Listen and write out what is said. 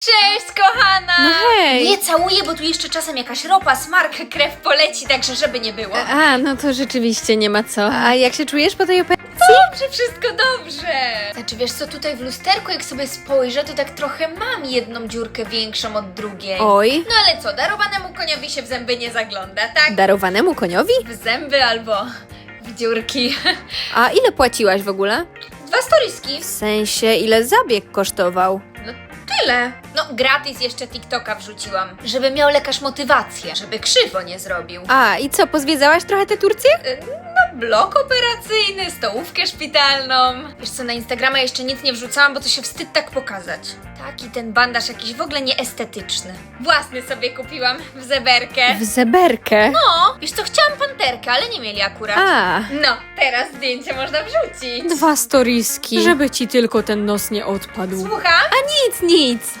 Cześć, kochana! No hej! Nie całuję, bo tu jeszcze czasem jakaś ropa, smark, krew poleci, także żeby nie było. No to rzeczywiście nie ma co. A jak się czujesz po tej operacji? Dobrze, wszystko dobrze. Znaczy, wiesz co, tutaj w lusterku, jak sobie spojrzę, to tak trochę mam jedną dziurkę większą od drugiej. Oj, No ale co, darowanemu koniowi się w zęby nie zagląda, tak? darowanemu koniowi? W zęby albo w dziurki. A ile płaciłaś w ogóle? 2 storiski. W sensie, ile zabieg kosztował? No tyle. No gratis jeszcze TikToka wrzuciłam, żeby miał lekarz motywację, żeby krzywo nie zrobił. I co, pozwiedzałaś trochę tę Turcję? No, blok operacyjny, stołówkę szpitalną. Wiesz co, na Instagrama jeszcze nic nie wrzucałam, bo to się wstyd tak pokazać. Taki ten bandaż jakiś w ogóle nieestetyczny. Własny sobie kupiłam w zeberkę. W zeberkę? No, wiesz co, chciałam panterkę, ale nie mieli akurat. No, teraz zdjęcie można wrzucić. 2 storiski. Żeby ci tylko ten nos nie odpadł. Słucham? Nic.